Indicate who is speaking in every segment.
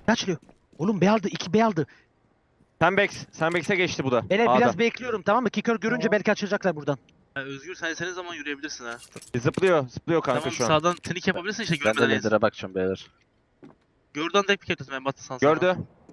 Speaker 1: Kaçlıyor. Oğlum B aldı. 2 B aldı.
Speaker 2: Sandbags'e geçti bu da.
Speaker 1: Beyler
Speaker 2: A'da.
Speaker 1: biraz bekliyorum tamam mı? Kicker görünce
Speaker 3: Tamam.
Speaker 1: belki açılacaklar buradan.
Speaker 4: Ya Özgür sen istediğin zaman yürüyebilirsin ha.
Speaker 2: Zıplıyor kanka
Speaker 4: Tamam
Speaker 2: şu an.
Speaker 4: sağdan trik yapabilirsin işte
Speaker 3: Ben de
Speaker 4: görmeden.
Speaker 3: ledere bakacağım beyler.
Speaker 4: Gördüğün tek bir yapıyorsun ben battı sana.
Speaker 2: Gördü.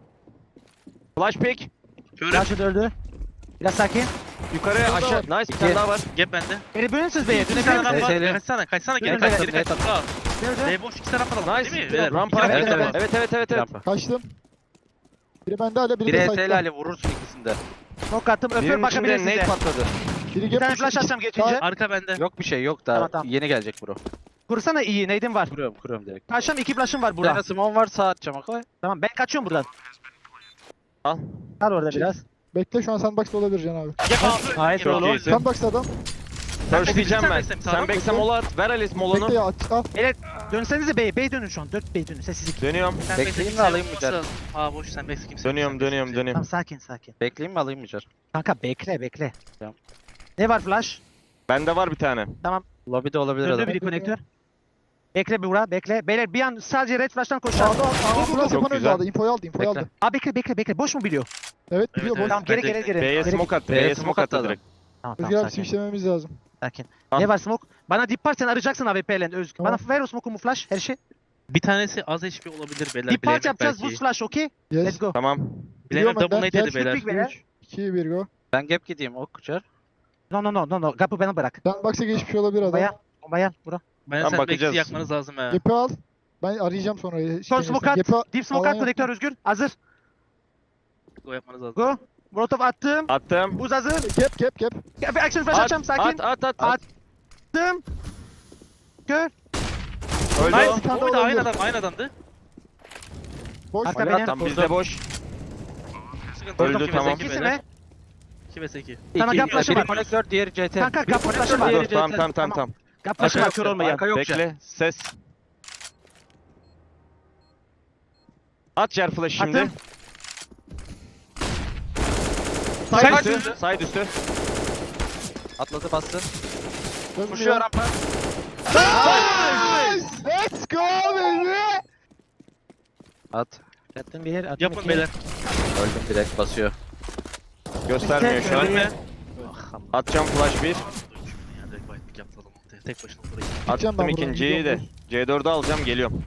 Speaker 2: Flash pick.
Speaker 4: Köre.
Speaker 1: Kaçı öldü. Biraz sakin.
Speaker 2: Yukarı aşağı. Nice bir tane daha var.
Speaker 4: Gap bende.
Speaker 1: Beni bölünsünüz B'ye.
Speaker 4: İki tane adam
Speaker 1: Dönebilirsiniz.
Speaker 4: var.
Speaker 3: Seyli.
Speaker 4: Kaçsana geri
Speaker 1: Dön,
Speaker 4: kaç
Speaker 1: dön,
Speaker 4: geri kaç. Sağ.
Speaker 1: Nerede?
Speaker 4: B boş 2 tane adam
Speaker 2: Nice.
Speaker 4: değil mi? Beyler,
Speaker 2: Rampa.
Speaker 4: iki tane
Speaker 3: Evet,
Speaker 4: adam var.
Speaker 2: Evet.
Speaker 3: Rampa.
Speaker 5: Kaçtım. Biri bende hala, biri
Speaker 3: Biri
Speaker 5: de
Speaker 3: HS'li
Speaker 5: site'da.
Speaker 3: Ali vurursun ikisinde.
Speaker 1: Smoke attım. Öpüyorum
Speaker 2: Birinin içinde
Speaker 1: bakabilirsiniz.
Speaker 2: nade patladı.
Speaker 5: Biri
Speaker 1: Bir
Speaker 5: gap
Speaker 1: tane
Speaker 5: push-
Speaker 1: flash atacağım geçince.
Speaker 5: Sağ-
Speaker 4: Arka bende.
Speaker 3: Yok bir şey yok daha
Speaker 1: Tamam.
Speaker 3: yeni gelecek bro.
Speaker 1: Kursana iyi. Nade'im var.
Speaker 3: Kuruyorum direkt.
Speaker 1: Kaçacağım 2 flash'ım var
Speaker 3: Bir
Speaker 1: burada.
Speaker 3: tane small var sağ atacağım akla.
Speaker 1: Tamam ben kaçıyorum buradan.
Speaker 2: Al.
Speaker 1: Kal orada biraz.
Speaker 5: Bekle, şu an sandbox'ta olabilir Can abi.
Speaker 1: Hayır
Speaker 2: Çok
Speaker 1: oğlum.
Speaker 2: iyisin.
Speaker 5: Sandbox'ta adam.
Speaker 2: First diyeceğim ben.
Speaker 4: Sandbags'e sağdan
Speaker 2: Sandbags'e mola at. Ver Alice molonu.
Speaker 5: Bekle ya, al.
Speaker 1: Dönsenize B'ye. B'ye dönün şu an. 4 B'ye dönün. Sessizlik.
Speaker 2: Dönüyorum.
Speaker 4: Sen
Speaker 3: Bekleyeyim
Speaker 4: bekle,
Speaker 3: mi, alayım mı
Speaker 4: kimse
Speaker 3: der?
Speaker 4: yoksa- Aa boş sen bekle kimse.
Speaker 2: Dönüyorum.
Speaker 1: Tamam sakin.
Speaker 3: Bekleyeyim mi alayım mı Cer?
Speaker 1: Kanka bekle.
Speaker 3: Tamam.
Speaker 1: Ne var flash?
Speaker 2: Bende var bir tane.
Speaker 3: Lobby'de olabilir
Speaker 1: Döndü
Speaker 3: adam.
Speaker 1: biri konektör. Bekle bir vura bekle. Beyler bir an sadece red flash'tan koşacağım.
Speaker 5: Sağda burada
Speaker 2: Çok
Speaker 5: Stepan
Speaker 2: güzel.
Speaker 5: aldı. Infoyu aldı.
Speaker 3: Bekle.
Speaker 1: Aa bekle. Boş mu biliyor?
Speaker 5: Evet,
Speaker 4: Evet,
Speaker 5: biliyor
Speaker 4: evet.
Speaker 5: boş.
Speaker 1: Tamam geri
Speaker 4: Bence-
Speaker 1: geri.
Speaker 2: B'ye
Speaker 1: Geri-
Speaker 2: smoke attı.
Speaker 3: B'ye
Speaker 2: B'ye
Speaker 3: smoke
Speaker 2: smoke attı
Speaker 3: attı
Speaker 2: direkt.
Speaker 1: Tamam
Speaker 5: Özgür abi
Speaker 1: sakin.
Speaker 5: switchlememiz lazım.
Speaker 1: Sakin.
Speaker 2: Al.
Speaker 1: Ne var smoke? Bana dip var sen arayacaksın AWP'yle Özgür.
Speaker 5: Tamam.
Speaker 1: Bana ver o smoke'umu flash her şey.
Speaker 4: Bir tanesi az HP olabilir beyler.
Speaker 1: Dip part
Speaker 4: bilememek
Speaker 1: yapacağız
Speaker 4: belki.
Speaker 1: boost flash okey?
Speaker 5: Yes.
Speaker 1: Let's go.
Speaker 2: Tamam.
Speaker 4: Bilememek
Speaker 5: Biliyorum
Speaker 4: double
Speaker 5: ben,
Speaker 4: nade
Speaker 5: gel
Speaker 4: dedi beyler.
Speaker 1: Quick beyler.
Speaker 5: 3, 2, 1 go.
Speaker 3: Ben gap gideyim ok Cer.
Speaker 1: No. Kapı bana bırak.
Speaker 5: Sandbox'a geçmiş olabilir adam.
Speaker 1: Bayan bura.
Speaker 4: Ben
Speaker 2: Tamam,
Speaker 4: sen
Speaker 2: bakacağız.
Speaker 4: bekle yakmanız lazım ha.
Speaker 5: Gap'i al. Ben arayacağım sonra.
Speaker 1: Son smoke at.
Speaker 5: Gap'i
Speaker 1: Deep smoke
Speaker 5: alan
Speaker 1: at konektör Özgür. Hazır.
Speaker 4: Go yapmanız lazım.
Speaker 1: Go. Molotov attım.
Speaker 2: Attım.
Speaker 1: Buz hazır.
Speaker 5: Gap.
Speaker 1: Action flash atacağım sakin.
Speaker 2: At.
Speaker 1: Attım. Kör.
Speaker 2: Öldü
Speaker 4: Nice.
Speaker 2: o.
Speaker 5: Bir tane
Speaker 4: O da
Speaker 5: daha
Speaker 4: aynı
Speaker 5: olabilir.
Speaker 4: adam aynı adamdı.
Speaker 5: Boş.
Speaker 1: Arka
Speaker 2: Oyna,
Speaker 1: beni.
Speaker 2: tam bizde boş.
Speaker 4: Sıkıntı yok,
Speaker 2: Öldü,
Speaker 4: iki
Speaker 2: tamam.
Speaker 4: vs iki
Speaker 1: İkisi
Speaker 4: beyler.
Speaker 1: mi?
Speaker 4: 2 vs 2.
Speaker 1: Sana gap flash'ı
Speaker 3: Biri
Speaker 1: var.
Speaker 3: konektör diğeri CT.
Speaker 1: Kanka
Speaker 3: Biri
Speaker 1: gap flash'ı
Speaker 3: konektör,
Speaker 1: var.
Speaker 3: diğeri
Speaker 2: Dur
Speaker 3: CT.
Speaker 2: tamam.
Speaker 1: Gap flash'ı var
Speaker 3: Arka
Speaker 1: kör
Speaker 3: yok,
Speaker 1: olmayan.
Speaker 3: arka yok.
Speaker 2: Bekle. Ses. At yer flash şimdi.
Speaker 1: Attım.
Speaker 2: Side üstü. Side üstü.
Speaker 3: Atladı bastı.
Speaker 5: Dönmüyor.
Speaker 3: Koşuyor rampa.
Speaker 5: Nice! Let's go baby!
Speaker 3: At.
Speaker 1: Attım bir yer. Attım
Speaker 4: Yapın
Speaker 1: iki.
Speaker 4: beyler.
Speaker 3: Öldüm direkt basıyor.
Speaker 2: Göstermiyor şu an.
Speaker 4: Ölme.
Speaker 2: Atacağım flash 1.
Speaker 4: Ya direkt white pick yaptı adam. Tek başına burayı.
Speaker 5: Gideceğim
Speaker 2: Attım
Speaker 5: ben buradan,
Speaker 2: ikinciyi de.
Speaker 5: gidiyorum.
Speaker 2: C4'ü alacağım geliyorum.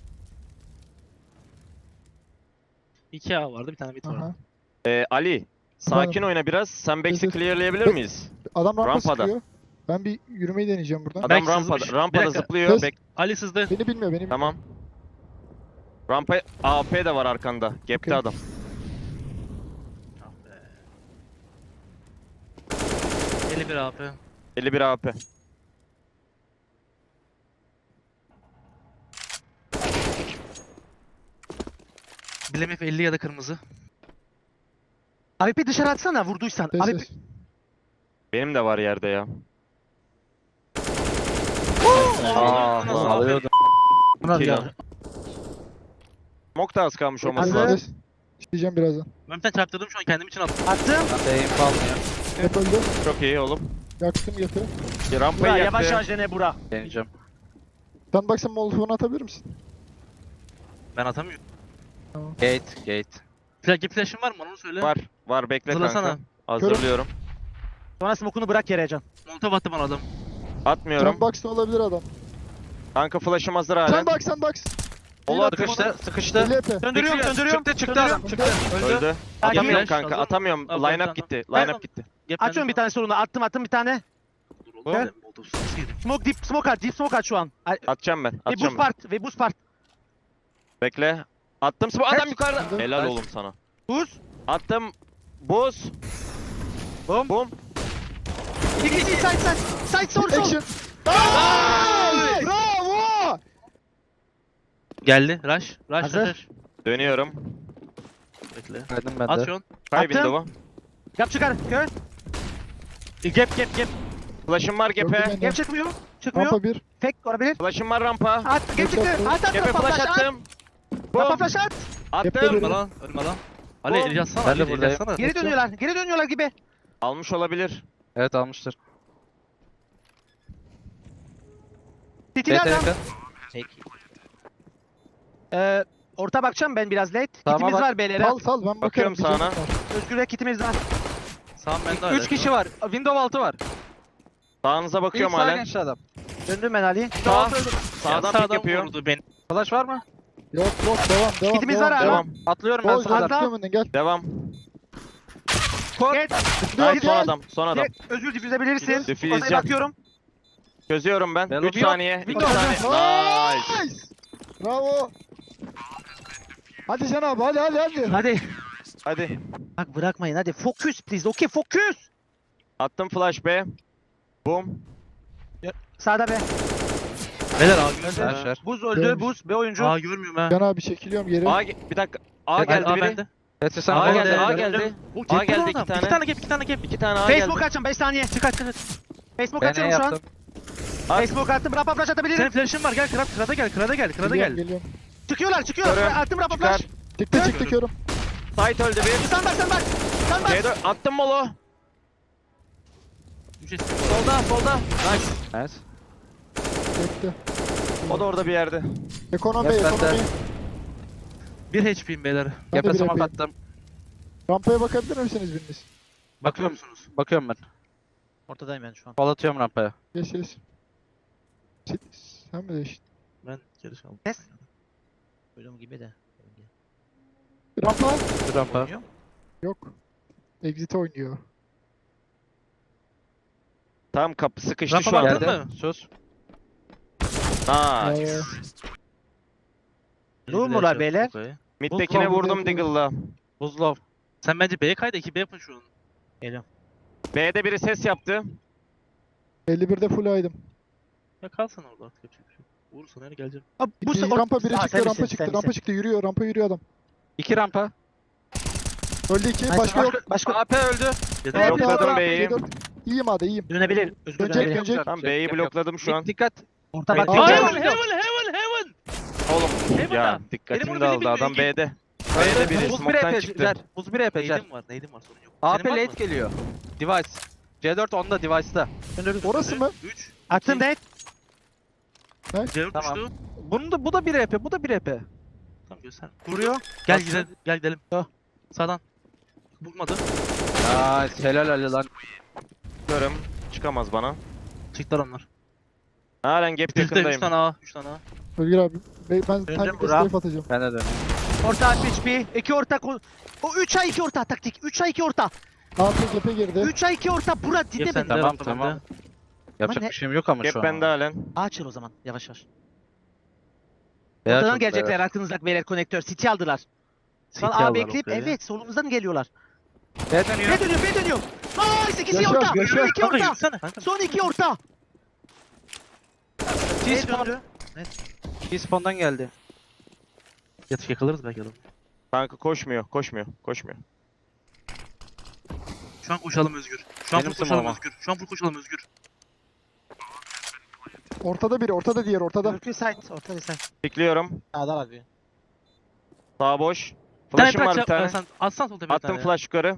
Speaker 4: 2 A vardı bir tane mid var.
Speaker 5: Aha.
Speaker 2: Ali. Sakin oyna biraz. Sandbags'i
Speaker 5: Evet.
Speaker 2: clearlayabilir miyiz?
Speaker 5: Adam rampa
Speaker 2: Rampada.
Speaker 5: sıkıyor. Ben bir yürümeyi deneyeceğim buradan.
Speaker 2: Adam
Speaker 4: Belki
Speaker 2: rampada,
Speaker 4: sızmış.
Speaker 2: rampada
Speaker 4: Bir dakika.
Speaker 2: zıplıyor.
Speaker 5: Ses.
Speaker 4: Ali sızdı.
Speaker 5: Beni bilmiyor.
Speaker 2: Tamam. Rampa AP de var arkanda. Gap'te
Speaker 5: Okey.
Speaker 2: adam.
Speaker 4: Ah be. 51 AP.
Speaker 2: 51 AP.
Speaker 4: Bilemef 50 ya da kırmızı.
Speaker 1: AWP dışarı atsana vurduysan.
Speaker 5: Ses
Speaker 1: AWP
Speaker 5: ses.
Speaker 2: Benim de var yerde ya.
Speaker 3: Aa,
Speaker 4: Nasıl
Speaker 3: alıyordum.
Speaker 1: Ulan
Speaker 2: Kill
Speaker 1: ya.
Speaker 2: al. Smoke da az kalmış olması
Speaker 1: Hazır.
Speaker 2: lazım.
Speaker 5: Ses. İsteyeceğim birazdan.
Speaker 4: Ben bir tane çarptırdım şu an kendim için attım.
Speaker 1: Attım.
Speaker 3: Ben de aim almıyor.
Speaker 5: Gap öldü.
Speaker 2: Çok iyi oğlum.
Speaker 5: Yaktım gap'i.
Speaker 2: Rampayı
Speaker 1: Bura
Speaker 2: yaktı.
Speaker 1: yavaş yavaş dene bura.
Speaker 3: Deneyeceğim.
Speaker 5: Sandbox'a molotovunu atabilir misin?
Speaker 4: Ben atamıyorum.
Speaker 3: Gate.
Speaker 4: Flash'ın var mı onu söyle.
Speaker 2: Var bekle
Speaker 4: Hazırlasana.
Speaker 2: kanka. Hazırlıyorum.
Speaker 1: Sonra smoke'unu bırak yere Can.
Speaker 4: Molotov attı bana adam.
Speaker 2: Atmıyorum.
Speaker 5: Sandbox'ta olabilir adam.
Speaker 2: Kanka flash'ım hazır halen.
Speaker 5: Sandbox.
Speaker 2: Ola
Speaker 5: attım
Speaker 3: Sıkıştı.
Speaker 5: 50 EP.
Speaker 1: Söndürüyorum.
Speaker 3: Çıktı adam. Çıktı. Öldü.
Speaker 2: Öldü.
Speaker 1: Sakin.
Speaker 2: Atamıyorum
Speaker 4: Flash,
Speaker 2: kanka.
Speaker 4: hazır.
Speaker 2: Atamıyorum.
Speaker 4: Al,
Speaker 2: Line
Speaker 4: tamam.
Speaker 2: up gitti.
Speaker 1: Ben-
Speaker 2: Line up gitti.
Speaker 1: Açıyorum bir tane sorunu. Attım bir tane.
Speaker 4: Dur oğlum
Speaker 1: Gel.
Speaker 4: ben Molotov sızıydım.
Speaker 1: Smoke deep smoke at. Deep smoke at şu an.
Speaker 2: Atacağım ben.
Speaker 1: Ve
Speaker 2: Atacağım
Speaker 1: boost
Speaker 2: ben.
Speaker 1: part. Ve boost part.
Speaker 2: Bekle. Attım. Adam
Speaker 1: Kaç?
Speaker 2: yukarıda.
Speaker 5: Attım.
Speaker 2: Helal
Speaker 3: Kaç?
Speaker 2: oğlum sana.
Speaker 1: Boost.
Speaker 2: Attım. Buz.
Speaker 1: Bum.
Speaker 2: Bum.
Speaker 1: İkisi side sol.
Speaker 5: Action. Nice! Bravo!
Speaker 4: Geldi. Rush.
Speaker 1: Hazır.
Speaker 2: Dönüyorum.
Speaker 4: Bekle.
Speaker 3: Verdim ben
Speaker 4: At
Speaker 3: de.
Speaker 4: şu an.
Speaker 2: Kay
Speaker 1: Attım.
Speaker 2: window'u.
Speaker 1: Gap çıkar. Kör. Gap.
Speaker 2: Flash'ım var
Speaker 5: Gördüm
Speaker 2: gap'e.
Speaker 5: beni.
Speaker 1: Gap çıkmıyor. Çıkmıyor.
Speaker 5: Rampa 1.
Speaker 1: Fake olabilir.
Speaker 2: Flash'ım var rampa.
Speaker 1: At. Gap çıktı. At.
Speaker 2: Gap'e
Speaker 1: Rampa
Speaker 2: flash
Speaker 1: at.
Speaker 2: attım.
Speaker 1: Rampa
Speaker 2: Bum.
Speaker 1: flash at.
Speaker 5: Yaptı
Speaker 2: Attım.
Speaker 5: biri.
Speaker 4: Ölme lan. Ölme lan. Ali
Speaker 2: Oğlum.
Speaker 4: el yazsana.
Speaker 3: Ben de
Speaker 4: Ali el
Speaker 3: buradayım.
Speaker 4: yazsana.
Speaker 1: Geri dönüyorlar gibi.
Speaker 2: Almış olabilir.
Speaker 3: Evet almıştır.
Speaker 1: Titili
Speaker 3: CT
Speaker 1: adam.
Speaker 3: yakın.
Speaker 1: Orta bakacağım ben biraz late.
Speaker 3: Sağıma
Speaker 1: Kitimiz
Speaker 3: bak.
Speaker 1: var beyler.
Speaker 5: Sal sal ben bakarım.
Speaker 2: Bakıyorum
Speaker 5: bir canım
Speaker 2: sağına.
Speaker 5: var.
Speaker 1: Özgür'e kitimiz var.
Speaker 4: Sağım bende hala.
Speaker 3: 3 kişi var. Window altı var.
Speaker 2: Sağınıza bakıyorum
Speaker 3: İlk sağa
Speaker 2: halen.
Speaker 3: geçti adam.
Speaker 1: Döndüm ben Ali.
Speaker 2: Sağ. Sağdan pik yapıyor.
Speaker 4: Vurdu beni.
Speaker 3: Flash var mı?
Speaker 5: Yok devam.
Speaker 1: Kitimiz var abi.
Speaker 2: Devam.
Speaker 3: Atlıyorum ben
Speaker 5: Gol
Speaker 3: sana.
Speaker 1: Sağda.
Speaker 5: gel önden gel.
Speaker 2: Devam.
Speaker 1: Geç.
Speaker 2: Nice son adam. Son adam.
Speaker 1: Geç. Özgür difüzebilirsin.
Speaker 2: Difüze
Speaker 1: Ortaya
Speaker 2: edeceğim.
Speaker 1: bakıyorum.
Speaker 2: Çözüyorum ben.
Speaker 3: Ben
Speaker 2: 3
Speaker 3: yok.
Speaker 2: saniye. 2
Speaker 1: Windows.
Speaker 2: saniye. Nice.
Speaker 5: Nice. Bravo. Hadi Can abi hadi.
Speaker 1: Hadi.
Speaker 2: Hadi.
Speaker 1: Bak bırakmayın hadi. Focus please. Okay focus.
Speaker 2: Attım flash B. Boom.
Speaker 1: Sağda be.
Speaker 4: Beyler A görmüyorum.
Speaker 3: Flasher.
Speaker 1: Buz öldü.
Speaker 5: Görmüş.
Speaker 1: Buz. B oyuncu.
Speaker 4: A görmüyorum ha.
Speaker 5: Can abi çekiliyorum geri.
Speaker 2: Bir dakika. A geldi
Speaker 4: A
Speaker 2: biri.
Speaker 4: bende.
Speaker 3: Tetris sen
Speaker 2: A
Speaker 3: gol
Speaker 2: geldi.
Speaker 3: de-
Speaker 2: A geldi. A geldi 2 tane.
Speaker 4: 2 tane gap, 2 tane gap.
Speaker 2: 2 tane A
Speaker 1: Facebook
Speaker 2: geldi.
Speaker 1: açacağım 5 saniye. Çıkart. Facebook
Speaker 3: Ben ne
Speaker 1: açıyorum şu an.
Speaker 3: yaptım?
Speaker 1: Facebook attım. Rapa flash atabilirim.
Speaker 4: Senin flash'ın var. Gel krada gel. Krada gel. Krada gel.
Speaker 5: Geliyorum.
Speaker 1: Çıkıyorlar.
Speaker 2: Görüyorum.
Speaker 1: Attım rapa
Speaker 2: Çıkar.
Speaker 1: flash.
Speaker 5: Çıktı körüm.
Speaker 2: Site öldü bir.
Speaker 1: Sen bak.
Speaker 2: C4 attım molo. Solda. Nice.
Speaker 3: Nice.
Speaker 5: Bekle.
Speaker 2: O da orada bir yerde.
Speaker 5: Ekonomi.
Speaker 3: Yap ben de.
Speaker 4: 1 HP'yim beyler.
Speaker 5: Ben de
Speaker 3: Yapı
Speaker 5: bir
Speaker 3: smoke
Speaker 5: yapayım.
Speaker 3: attım.
Speaker 5: Rampaya bakabilir misiniz biriniz?
Speaker 4: Bakıyor musunuz?
Speaker 3: Bakıyorum ben.
Speaker 1: Ortadayım ben şu an.
Speaker 3: Kol atıyorum rampaya.
Speaker 5: Geç. Sen mi değiştin?
Speaker 4: Ben geri çaldım.
Speaker 1: Ses. Duyduğum gibi de.
Speaker 5: Rampa?
Speaker 3: Bir rampa.
Speaker 5: Yok. Exit oynuyor.
Speaker 2: Tam kapı sıkıştı
Speaker 4: Rampa
Speaker 2: şu an.
Speaker 4: baktın
Speaker 3: Geldi.
Speaker 4: mı?
Speaker 3: Sus.
Speaker 2: Nice.
Speaker 1: Durmuyorlar beyler.
Speaker 4: Okay.
Speaker 2: Mid'dekine
Speaker 5: Buzlu
Speaker 2: vurdum
Speaker 5: oldu.
Speaker 2: Diggle'la.
Speaker 3: Buzlov.
Speaker 4: Sen bence B'ye kay da 2B yapın şu an.
Speaker 1: Geliyorum.
Speaker 2: B'de biri ses yaptı.
Speaker 5: 51'de full aydım.
Speaker 4: Ya kalsana orada artık yapacak bir şey yok. Vurursa nereye geleceğim?
Speaker 1: Bu
Speaker 5: Rampa biri
Speaker 1: Aa,
Speaker 5: çıktı,
Speaker 1: sen
Speaker 5: rampa
Speaker 1: misin,
Speaker 5: çıktı,
Speaker 1: sen
Speaker 5: rampa
Speaker 1: misin?
Speaker 5: çıktı. Yürüyor, rampa yürüyor adam.
Speaker 3: 2 rampa.
Speaker 5: Öldü 2,
Speaker 1: Nice.
Speaker 5: başka yok.
Speaker 1: Başka.
Speaker 3: AP öldü.
Speaker 4: Yeter.
Speaker 1: Yok.
Speaker 2: Blokladım B'yi.
Speaker 5: C4. İyiyim hadi, iyiyim.
Speaker 1: Dönebilir. Özgür
Speaker 5: Dönecek,
Speaker 1: dönebilir.
Speaker 5: dönecek.
Speaker 2: Tamam B'yi blokladım şu an.
Speaker 3: Dikkat.
Speaker 1: Orta bak.
Speaker 5: Hayır.
Speaker 1: Heaven,
Speaker 4: Heaven, heaven.
Speaker 2: Oğlum
Speaker 4: Heaven
Speaker 2: ya
Speaker 4: da.
Speaker 2: dikkatimi
Speaker 4: Benim
Speaker 2: de
Speaker 4: onu
Speaker 2: aldı
Speaker 4: bilmiyorum,
Speaker 2: adam
Speaker 4: ilgin.
Speaker 2: B'de. B'de biri
Speaker 3: Buz 1
Speaker 2: smoke'tan
Speaker 3: EP
Speaker 2: çıktı.
Speaker 3: Cer. Buz 1 EP Cer.
Speaker 4: Neydim var sorun yok.
Speaker 3: AP
Speaker 4: Senin var
Speaker 3: late
Speaker 4: mı?
Speaker 3: geliyor. Device. C4 onda device'da.
Speaker 5: Orası mı?
Speaker 4: 3.
Speaker 1: Attım net.
Speaker 4: C4
Speaker 3: Tamam.
Speaker 4: düştü.
Speaker 3: Bu da 1 EP, bu da 1 EP.
Speaker 4: Tamam göster.
Speaker 1: Vuruyor.
Speaker 4: Gel
Speaker 3: Nasıl?
Speaker 4: gidelim. Gel gidelim. Sağdan. Bulmadı.
Speaker 3: Nice. Helal Ali lan.
Speaker 2: Görüm. Çıkamaz bana.
Speaker 4: Çıktılar onlar.
Speaker 2: Halen gap
Speaker 4: Bizde 3
Speaker 2: yakındayım.
Speaker 4: tane A. 3 tane A.
Speaker 5: Özgür abi. Ben timing
Speaker 1: Burak.
Speaker 5: escape atacağım.
Speaker 3: Ben de dönüyorum.
Speaker 1: Orta HP. 2 orta. O 3 ay 2 orta taktik. 3 ay 2 orta.
Speaker 5: Altı cephe girdi.
Speaker 1: 3 ay 2 orta. Bura
Speaker 4: Gap
Speaker 1: dinle
Speaker 4: sende,
Speaker 1: beni.
Speaker 3: Tamam,
Speaker 4: rampa
Speaker 3: tamam.
Speaker 4: bende.
Speaker 3: Yapacak
Speaker 1: ne-
Speaker 3: bir şeyim yok ama şu
Speaker 2: Gap
Speaker 3: an.
Speaker 2: bende halen.
Speaker 1: Açın o zaman. Yavaş yavaş.
Speaker 3: Beyaz
Speaker 1: Ortadan
Speaker 3: çok
Speaker 1: gelecekler
Speaker 3: beyaz.
Speaker 1: aklınızdaki beyler konektör. City aldılar. Şu an
Speaker 4: City
Speaker 1: A
Speaker 4: aldılar,
Speaker 1: bekleyip
Speaker 4: okey.
Speaker 1: evet solumuzdan geliyorlar.
Speaker 3: B dönüyor.
Speaker 1: B dönüyor. Nice ikisi
Speaker 5: Yaşar,
Speaker 1: orta.
Speaker 5: yaşar.
Speaker 1: 2
Speaker 4: Kanka
Speaker 1: orta.
Speaker 4: yürüsene. Kanka.
Speaker 1: Son 2 orta.
Speaker 3: T-spawn.
Speaker 1: döndü.
Speaker 3: T-spawn'dan geldi.
Speaker 4: Yatıp yakalarız belki adamı.
Speaker 2: Kanka koşmuyor.
Speaker 4: Şu an koşalım Özgür. Şu an
Speaker 3: Benim
Speaker 4: full koşalım
Speaker 3: sınavıma.
Speaker 4: Özgür. Şu an full koşalım Özgür.
Speaker 5: Ortada biri, ortada diğer, ortada.
Speaker 1: Türk'ü site. Orta site.
Speaker 2: Pikliyorum.
Speaker 1: Sağda var bir.
Speaker 2: Sağ boş.
Speaker 4: Bir tane
Speaker 2: Flash'ım var bir tane.
Speaker 4: Sen atsan sol tepeye bir
Speaker 2: Attım
Speaker 4: tane.
Speaker 2: flash yukarı.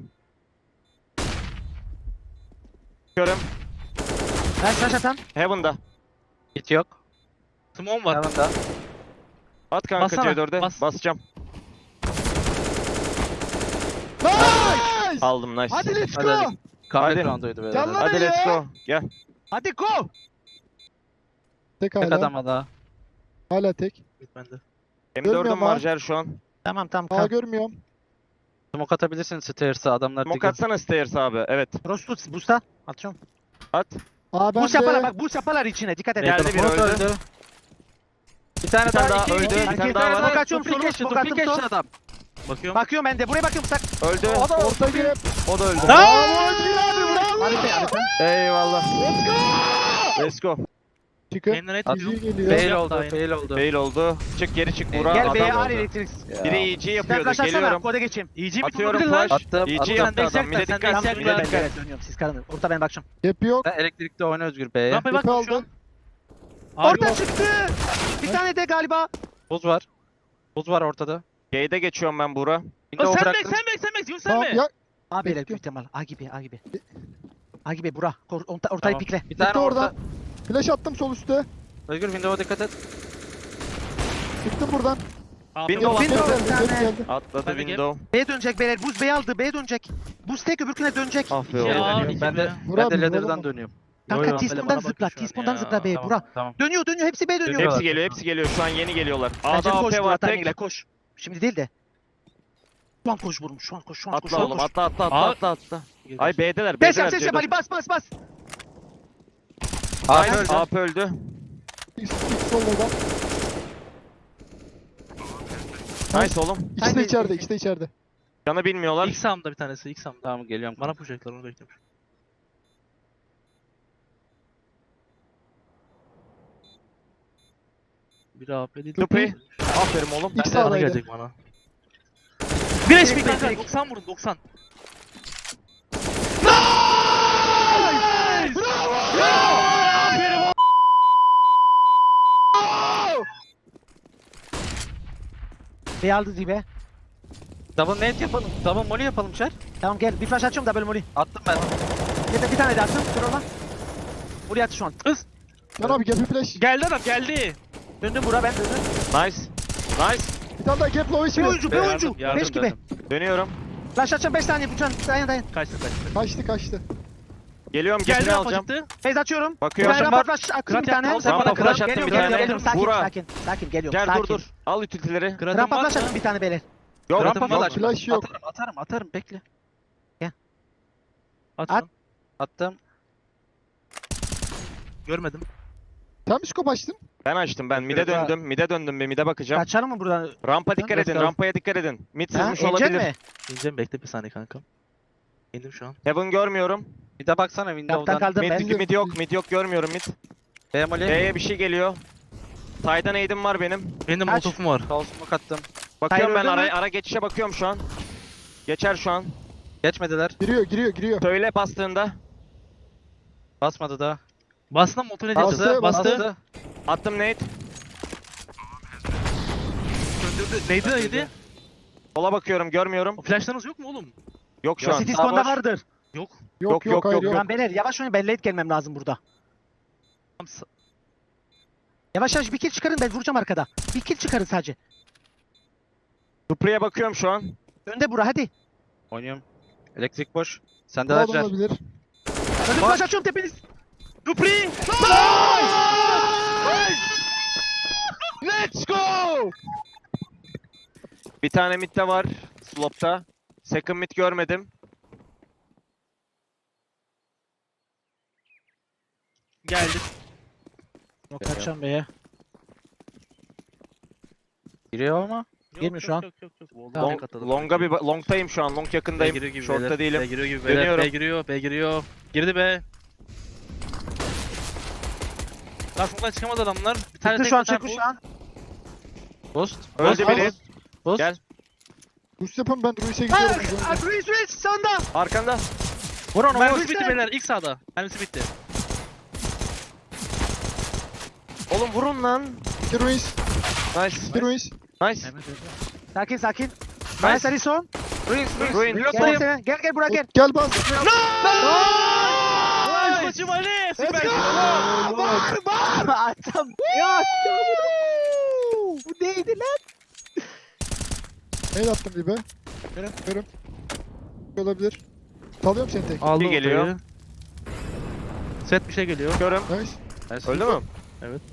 Speaker 2: Görüm.
Speaker 1: Ben flash atan.
Speaker 2: Heaven'da.
Speaker 3: Hit yok.
Speaker 4: Smoke var.
Speaker 3: Hemen da.
Speaker 2: At kanka
Speaker 4: Bassana,
Speaker 2: C4'e.
Speaker 4: bas.
Speaker 2: Basacağım.
Speaker 5: Nice!
Speaker 2: Aldım nice.
Speaker 5: Hadi let's
Speaker 3: Hadi,
Speaker 5: go!
Speaker 3: hadi. Comeback
Speaker 2: Hadi.
Speaker 3: round'uydu böyle.
Speaker 5: Canlar-
Speaker 2: Hadi
Speaker 5: Hadi
Speaker 2: let's
Speaker 5: ya.
Speaker 2: go. Gel.
Speaker 1: Hadi go.
Speaker 5: Tek
Speaker 3: Tek
Speaker 5: hala.
Speaker 3: adama daha.
Speaker 5: Hala tek.
Speaker 4: Git bende.
Speaker 2: M4'üm
Speaker 5: Görmüyorum
Speaker 2: var
Speaker 5: ha.
Speaker 2: Jer şu an.
Speaker 1: Tamam
Speaker 5: Aa
Speaker 1: kal.
Speaker 5: görmüyorum.
Speaker 3: Smoke atabilirsin stairs'a adamlar
Speaker 2: Smoke
Speaker 3: diggle.
Speaker 2: atsana stairs abi. Evet.
Speaker 1: Rostut busta. Atıyorum.
Speaker 2: At.
Speaker 5: Aa ben
Speaker 1: Boost yaparlar
Speaker 5: de.
Speaker 1: bak boost yaparlar içine dikkat et.
Speaker 2: Geldi biri
Speaker 3: Smoke
Speaker 2: öldü.
Speaker 3: Bir tane
Speaker 2: Bir tane
Speaker 3: daha,
Speaker 2: daha
Speaker 3: iki,
Speaker 2: öldü,
Speaker 3: iki,
Speaker 2: bir
Speaker 3: iki,
Speaker 2: tane daha var.
Speaker 1: Smoke atıyorum,
Speaker 3: Duplicate,
Speaker 1: smoke attım,
Speaker 3: duplicate
Speaker 1: son.
Speaker 3: adam.
Speaker 4: Bakıyorum.
Speaker 1: Bakıyorum ben de. Buraya bakıyorum sak.
Speaker 2: Öldü.
Speaker 3: O da
Speaker 5: Orta girip.
Speaker 2: O da öldü.
Speaker 5: Bravo Özgür abi, bravo!
Speaker 1: Harika.
Speaker 2: Eyvallah.
Speaker 5: Let's go!
Speaker 2: Let's go.
Speaker 5: Çıkın.
Speaker 4: Kendine et
Speaker 3: At.
Speaker 4: diyorum.
Speaker 5: İyi geliyor.
Speaker 3: Fail
Speaker 4: Yaptı
Speaker 3: oldu,
Speaker 4: aynı.
Speaker 3: fail oldu.
Speaker 2: Fail oldu. Çık geri çık Burak.
Speaker 1: Gel
Speaker 2: Adam
Speaker 1: B'ye
Speaker 2: oldu.
Speaker 1: ağır elektrik.
Speaker 2: Biri EG
Speaker 1: Sen
Speaker 2: yapıyordu.
Speaker 1: kaçarsana
Speaker 2: Geliyorum.
Speaker 1: koda geçeyim.
Speaker 4: İyice bir
Speaker 2: Atıyorum
Speaker 4: tutabilir lan.
Speaker 2: flash.
Speaker 3: Attım,
Speaker 2: EG
Speaker 3: attım.
Speaker 2: yaptı
Speaker 4: Sen
Speaker 2: adam. Mide
Speaker 4: destek, sen
Speaker 2: dikkat.
Speaker 4: destek
Speaker 2: Mide
Speaker 4: ver.
Speaker 1: Ben
Speaker 2: dikkat.
Speaker 1: dönüyorum siz karının. Orta ben bakacağım.
Speaker 5: Gap yok.
Speaker 3: Sen elektrikte oyna Özgür B'ye.
Speaker 4: Rampaya
Speaker 5: Gap
Speaker 4: bak şu
Speaker 5: aldı.
Speaker 4: an. Abi
Speaker 1: Orta çıktı. Bir tane de galiba.
Speaker 3: Buz var. Buz var ortada.
Speaker 2: Gate'e geçiyorum ben Burak.
Speaker 3: Window
Speaker 4: sen bek
Speaker 3: bıraktım.
Speaker 4: sen bek Yunus
Speaker 5: Tamam
Speaker 4: sen
Speaker 5: ya.
Speaker 1: A beyler
Speaker 5: Bekliyorum.
Speaker 1: büyük ihtimal. A gibi. A gibi bura. Ortayı
Speaker 3: Tamam.
Speaker 1: pikle.
Speaker 3: Bir tane
Speaker 5: Bitti
Speaker 3: orta.
Speaker 5: oradan. Flash attım sol üstte.
Speaker 3: Özgür window'a dikkat et.
Speaker 5: Çıktım buradan.
Speaker 2: Window
Speaker 1: Window
Speaker 2: atladı.
Speaker 1: bir tane.
Speaker 5: geldi.
Speaker 2: Atladı
Speaker 4: Ben de
Speaker 2: window.
Speaker 1: B'ye dönecek beyler. Buz B'ye aldı. B'ye dönecek. Buz tek öbürküne dönecek.
Speaker 2: Ah be
Speaker 4: Ya,
Speaker 2: oğlum.
Speaker 4: iki
Speaker 3: Ben de
Speaker 4: be.
Speaker 5: Vur
Speaker 3: ben
Speaker 5: abi,
Speaker 3: de
Speaker 5: vur
Speaker 3: ladder'dan
Speaker 5: oğlum.
Speaker 3: dönüyorum.
Speaker 1: Kanka
Speaker 4: Yo, yo,
Speaker 1: T-spawn'dan
Speaker 4: bana
Speaker 1: zıpla.
Speaker 4: bakıyor şu an
Speaker 1: T-spawn'dan
Speaker 4: ya.
Speaker 1: zıpla B'ye.
Speaker 3: Tamam,
Speaker 1: Bura.
Speaker 3: tamam.
Speaker 1: Dönüyor dönüyor. Hepsi B'ye dönüyor.
Speaker 3: Dönüyor.
Speaker 2: Hepsi geliyor, hepsi geliyor. Şu an yeni geliyorlar.
Speaker 1: Bence
Speaker 2: A'da
Speaker 1: koş
Speaker 2: AP
Speaker 1: Burak
Speaker 2: var
Speaker 1: timing'le
Speaker 2: tek.
Speaker 1: koş. Şimdi değil de. Şu an koş vurmuş. Şu an koş. Şu an koş.
Speaker 2: Atla oğlum, atla atla atla
Speaker 4: Aa.
Speaker 2: atla atla.
Speaker 4: Geliyor.
Speaker 2: Ay B'deler,
Speaker 1: Ses yap
Speaker 2: B'deler.
Speaker 1: ses yap Ali bas bas bas.
Speaker 3: Abi
Speaker 2: Nice,
Speaker 3: öldü.
Speaker 2: AP öldü.
Speaker 5: X solda.
Speaker 2: Nice oğlum.
Speaker 5: İkisi de
Speaker 1: Haydi.
Speaker 5: içeride. İkisi de içeride.
Speaker 2: Canı bilmiyorlar.
Speaker 4: İlk sağımda bir tanesi, ilk sağımda.
Speaker 3: Tamam geliyorum.
Speaker 4: Bana pushlayacaklar, onu bekliyorum. Biri AP değil.
Speaker 2: Tupi. Aferin oğlum.
Speaker 5: İlk
Speaker 4: Bana
Speaker 5: sağdaydı.
Speaker 4: gelecek bana. Bir HP
Speaker 1: Direkt,
Speaker 4: kanka,
Speaker 1: direkt.
Speaker 4: 90 vurun, 90.
Speaker 1: B'ye aldı Zibe.
Speaker 3: Double nade yapalım. Double molly yapalım Şer.
Speaker 1: Tamam gel. Bir flash açıyorum da böyle molly.
Speaker 3: Attım ben.
Speaker 1: Bir tane de attım. Dur ona. Molly attı şu an.
Speaker 5: Can abi gel bir flash.
Speaker 4: Geldi adam, geldi.
Speaker 1: Döndüm Burak ben döndüm.
Speaker 2: Nice. Nice.
Speaker 5: Bir tane daha gap low
Speaker 1: Bir
Speaker 5: içeri.
Speaker 1: oyuncu, bir
Speaker 4: Yardım,
Speaker 1: oyuncu.
Speaker 4: yardım,
Speaker 1: 5 gibi.
Speaker 4: yardım.
Speaker 2: Dönüyorum.
Speaker 1: Flash açacağım 5 saniye. Lütfen dayan.
Speaker 4: Kaçtı.
Speaker 5: Kaçtı.
Speaker 2: Geliyorum,
Speaker 4: Geldi
Speaker 2: gepini
Speaker 4: rampa
Speaker 2: alacağım.
Speaker 4: çıktı.
Speaker 1: Phase açıyorum. Bir
Speaker 2: Bakıyorum.
Speaker 1: tane rampa flash attım bir tane.
Speaker 4: Kırat yapma,
Speaker 2: Rampa
Speaker 4: kırat.
Speaker 2: flash attım bir
Speaker 1: Geliyorum,
Speaker 2: tane.
Speaker 1: geliyorum. Sakin,
Speaker 2: Vura.
Speaker 1: sakin. Geliyorum.
Speaker 2: Gel
Speaker 1: Sakin.
Speaker 2: dur. Al utility'leri.
Speaker 4: Kıratım
Speaker 1: Rampa
Speaker 4: var
Speaker 1: flash
Speaker 4: mı?
Speaker 1: attım bir tane beyler.
Speaker 2: Yok.
Speaker 3: Rampa
Speaker 2: Yok.
Speaker 3: flash.
Speaker 5: Flash yok.
Speaker 3: Atarım bekle.
Speaker 4: At.
Speaker 1: At.
Speaker 3: Attım.
Speaker 4: Görmedim.
Speaker 5: Sen mi scope açtın?
Speaker 2: Ben açtım ben. Mid'e döndüm. Mid'e döndüm be. Mid'e bakacağım.
Speaker 1: Kaçalım mı buradan?
Speaker 2: Rampa dikkat
Speaker 3: Let's
Speaker 2: edin.
Speaker 3: go.
Speaker 2: Rampaya dikkat edin. Mid
Speaker 1: Ha,
Speaker 2: sızmış
Speaker 1: inecek
Speaker 2: olabilir.
Speaker 1: mi?
Speaker 4: İneceğim, bekle bir saniye kankam. İndim şu an.
Speaker 2: Heaven görmüyorum.
Speaker 3: Bir de baksana
Speaker 1: Kaptan
Speaker 3: window'dan.
Speaker 1: kaldım ben.
Speaker 2: Mid yok. Mid yok, görmüyorum mid.
Speaker 3: B molly.
Speaker 2: B'ye bir şey geliyor. Side'dan aid'im var benim.
Speaker 4: Benim de
Speaker 1: Kaç?
Speaker 4: molotofum var.
Speaker 3: Sol smoke attım.
Speaker 2: Bakıyorum ben
Speaker 1: öldü mü?
Speaker 2: ara geçişe bakıyorum şu an. Geçer şu an.
Speaker 3: Geçmediler.
Speaker 5: Giriyor.
Speaker 2: Söyle bastığında.
Speaker 3: Basmadı da.
Speaker 4: Bastım, motor edeceğiz.
Speaker 5: Bastı,
Speaker 4: Bastı.
Speaker 2: Attım nade.
Speaker 4: Öldürdü. Neydi neydi?
Speaker 2: Sola bakıyorum, görmüyorum.
Speaker 4: O flashlarınız yok mu oğlum?
Speaker 2: Yok şu an.
Speaker 1: City
Speaker 2: Sağ
Speaker 1: spawn'da
Speaker 2: boş.
Speaker 1: vardır.
Speaker 4: Yok.
Speaker 2: Yok,
Speaker 5: Hayır
Speaker 2: yok.
Speaker 5: yok.
Speaker 1: Lan beyler yavaş oynayın. Ben late gelmem lazım burada.
Speaker 4: Tamam,
Speaker 1: Yavaş bir kill çıkarın ben vuracağım arkada. Bir kill çıkarın sadece.
Speaker 2: Dupre'ye bakıyorum şu an.
Speaker 1: Önde Burak hadi.
Speaker 3: Oynuyorum. Elektrik boş. Sende
Speaker 5: Daha da
Speaker 3: lazer.
Speaker 5: olabilir.
Speaker 1: Önde flash açıyorum tepeniz.
Speaker 4: Dupri!
Speaker 2: Let's go! Bir tane mid'de var. Slop'ta. Second mid görmedim.
Speaker 4: Geldi.
Speaker 1: Yok kaçacağım beye.
Speaker 3: Giriyor ama.
Speaker 1: Girmiyor şu an.
Speaker 4: Yok.
Speaker 2: Long'tayım şu an. Long yakındayım.
Speaker 4: Giriyor gibi
Speaker 2: Short'ta
Speaker 4: beyler.
Speaker 2: değilim.
Speaker 4: B giriyor gibi
Speaker 2: Dönüyorum.
Speaker 4: beyler. B giriyor. Girdi be. Karşımdan çıkamadı adamlar. Bir tane
Speaker 1: Çıktı
Speaker 4: tek
Speaker 1: şu an
Speaker 4: atar
Speaker 1: çıktı
Speaker 4: bu.
Speaker 1: şu an.
Speaker 3: Boost.
Speaker 2: Öldü
Speaker 5: Bas,
Speaker 2: biri.
Speaker 5: bas.
Speaker 3: Boost.
Speaker 2: Gel.
Speaker 5: Boost yapın ben Ruiz'e gidiyorum.
Speaker 1: Ruiz sonda.
Speaker 2: Arkanda.
Speaker 3: Vur onu vur.
Speaker 4: Mermisi bitti beyler, ilk sağda. Mermisi bitti.
Speaker 2: Oğlum vurun lan.
Speaker 5: İki Ruiz.
Speaker 2: Nice. Nice.
Speaker 1: Sakin.
Speaker 2: Nice.
Speaker 1: Nice Alison.
Speaker 2: Ruin.
Speaker 1: Gel Burak gel.
Speaker 5: Gel bas.
Speaker 4: Nice maçım Ali! Süper!
Speaker 1: Atam. Ya. Bu neydi lan?
Speaker 5: Neyle attım dibe? Görüm. Olabilir. Salıyorum seni tek.
Speaker 4: Aldım
Speaker 2: geliyor.
Speaker 4: ortayı. Set bir şey geliyor.
Speaker 2: Görüm.
Speaker 5: Nice.
Speaker 2: Öldü mü?
Speaker 4: Evet.